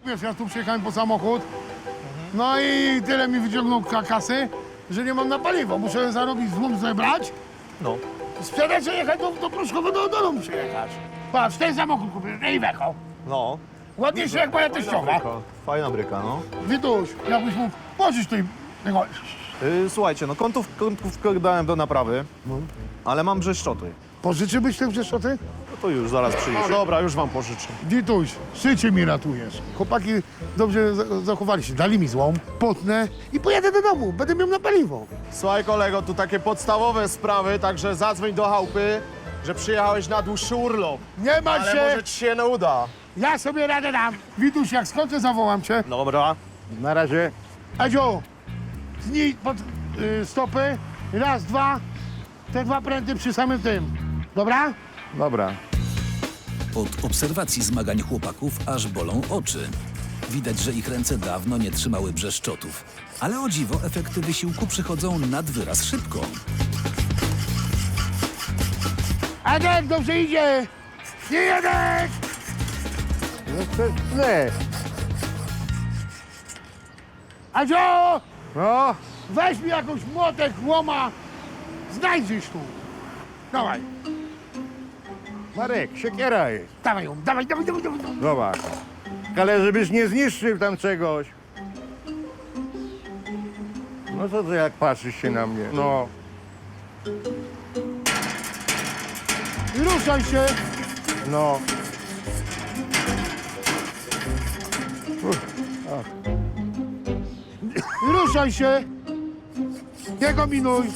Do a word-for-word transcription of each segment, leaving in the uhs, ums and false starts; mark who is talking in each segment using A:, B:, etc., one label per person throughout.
A: Wiesz, ja tu przyjechałem po samochód, no i tyle mi wyciągnął ka- kasy, że nie mam na paliwo. Muszę zarobić, złom zebrać,
B: No.
A: sprzedać i jechać do, do Pruszkowa do domu przyjechać. Patrz, ten samochód kupiłem, na Iveco.
B: No.
A: Ładniejszy jak moja teściowa.
B: Bryka. Fajna bryka, no.
A: Wituś, jakbyś mógł pożyć tej... tego...
B: Yy, słuchajcie, no kątów, kątówkę dałem do naprawy, ale mam brzeszczoty.
A: Pożyczyłbyś te brzeszoty?
B: No to już, zaraz przyjdziesz. Dobra, już wam pożyczę.
A: Wituś, życie mi ratujesz. Chłopaki dobrze za- zachowali się, dali mi złom, potnę i pojadę do domu, będę miał na paliwo.
B: Słuchaj kolego, tu takie podstawowe sprawy, także zadzwoń do chałupy, że przyjechałeś na dłuższy urlop.
A: Nie martw
B: Ale
A: się,
B: może ci się nie uda.
A: ja sobie radę dam. Wituś, jak skończę, zawołam cię.
B: Dobra.
C: Na razie.
A: Edzio, znij pod y, stopy, raz, dwa, te dwa pręty przy samym tym. Dobra?
C: Dobra.
D: Od obserwacji zmagań chłopaków aż bolą oczy. Widać, że ich ręce dawno nie trzymały brzeszczotów. Ale o dziwo efekty wysiłku przychodzą nad wyraz szybko.
A: Edek, dobrze idzie! Nie Edek!
C: No to źle.
A: Edzio,
C: No,
A: weź mi jakąś młotek, łoma, znajdziesz tu. Dawaj,
C: Marek, siekiera jest.
A: dawaj ją, dawaj, dawaj, dawaj, dawaj. dawaj.
C: Zobacz. Ale żebyś nie zniszczył tam czegoś. No co ty jak patrzysz się na mnie? No.
A: I ruszaj się.
C: No.
A: I ruszaj się. Nie kombinuj.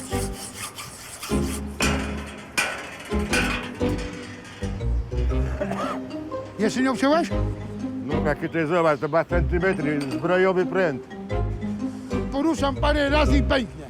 A: Jeszcze nie obciąłeś?
C: No jakie to jest, zobacz, to dwa centymetry, zbrojowy pręt.
A: Poruszam parę razy i pęknie.